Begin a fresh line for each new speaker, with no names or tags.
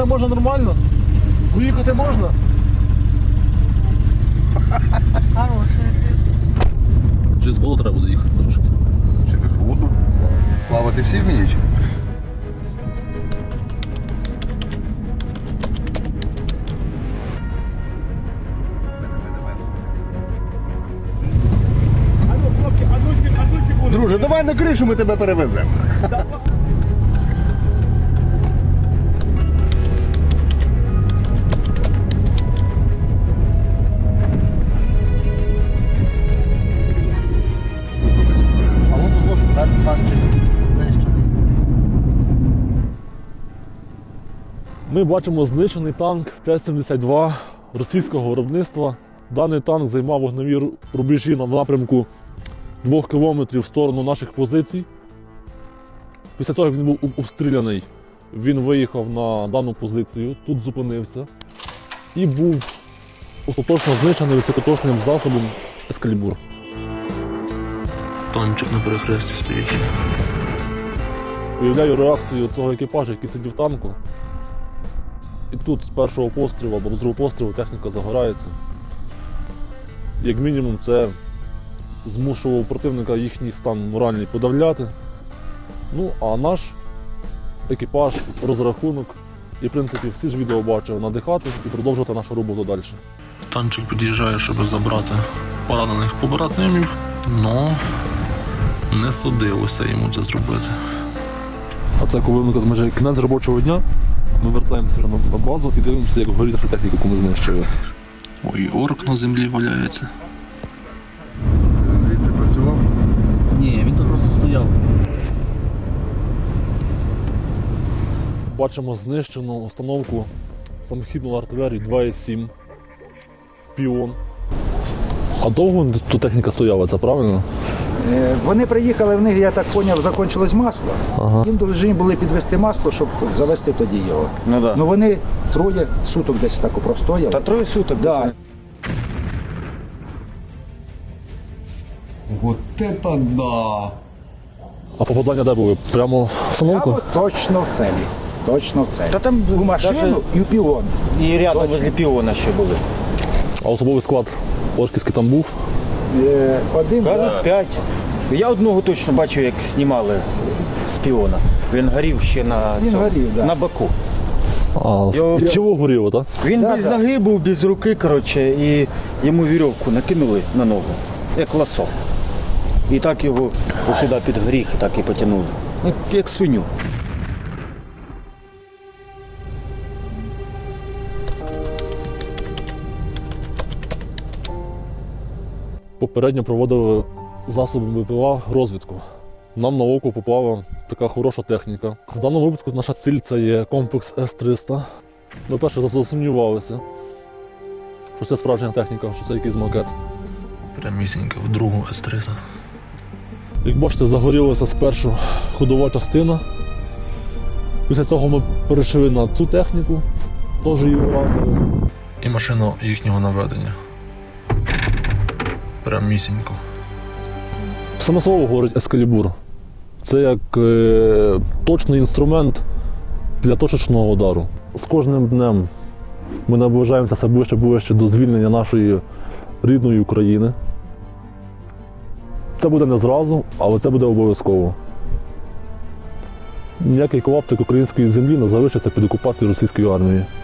їхати можна нормально? Поїхати можна?
Хороший.
Через воду треба буде їхати трошки.
Через воду? Плавати всі вміють? Друже, давай на кришу, ми тебе перевеземо.
А вон тут танчик.
Знищений.
Ми бачимо знищений танк Т-72 російського виробництва. Даний танк займав вогневі рубежі на напрямку 2 кілометрів в сторону наших позицій. Після того, як він був обстріляний, він виїхав на дану позицію, тут зупинився і був остаточно знищений високоточним засобом Ескалібур.
Танчик на перехресті стоїть.
Уявляю реакцію цього екіпажу, який сидів в танку. І тут з першого пострілу або з другого пострілу техніка загорається. Як мінімум це змушував противника їхній стан моральний подавляти. Ну, а наш екіпаж, розрахунок і, в принципі, всі ж відео бачив, надихати і продовжувати нашу роботу далі.
Танчик під'їжджає, щоб забрати поранених побратимів, але не судилося йому це зробити.
А це коли вже кінець робочого дня, ми вертаємося на базу і дивимося, як горить наша техніка, яку ми знищили.
Ой, орк на землі валяється.
Звідси працював?
Ні, він тут просто стояв.
Бачимо знищену установку самохідної артилерії 2,7 Піон. А довго тут техніка стояла, це правильно?
Вони приїхали, в них, я так зрозумів, закінчилось масло.
Ага.
Їм повинні були підвести масло, щоб завести тоді його.
Ну да.
Ну вони троє суток десь так простояли.
Та 3 суток.
Да.
Вот это да!
А попадання де були? Прямо в установку?
Прямо точно в цілі. Точно в цілі.
Та там
У машину
даже
і в піон.
і рядом возле піона ще були.
А особовий склад Орківський там був?
Один.
Кажуть, 5. Я одного точно бачив, як знімали з піона. Він горів ще на,
Він
цьому,
горів, да.
на боку.
А,
Його-
і чого горіло, так?
Він
Да,
без
да.
ноги був, без руки, коротше, і йому вірьовку накинули на ногу, як ласо. І так його сюди під гріх, так і потягнули. Ну, як свиню.
Попередньо проводили засобами БПЛА розвідку. Нам на око попала така хороша техніка. В даному випадку наша ціль – це є комплекс С-300. Ми перше засумнівалися, що це справжня техніка, що це якийсь макет.
Прямісінько в другу С-300.
Як бачите, загорілася спершу ходова частина. Після цього ми перейшли на цю техніку, теж її вразили.
І машину їхнього наведення. Прямісінько.
Саме слово говорить Ескалібур. Це як точний інструмент для точечного удару. З кожним днем ми наближаємося все ближче і ближче до звільнення нашої рідної України. Це буде не зразу, але це буде обов'язково. Ніякий клаптик української землі не залишиться під окупацією російської армії.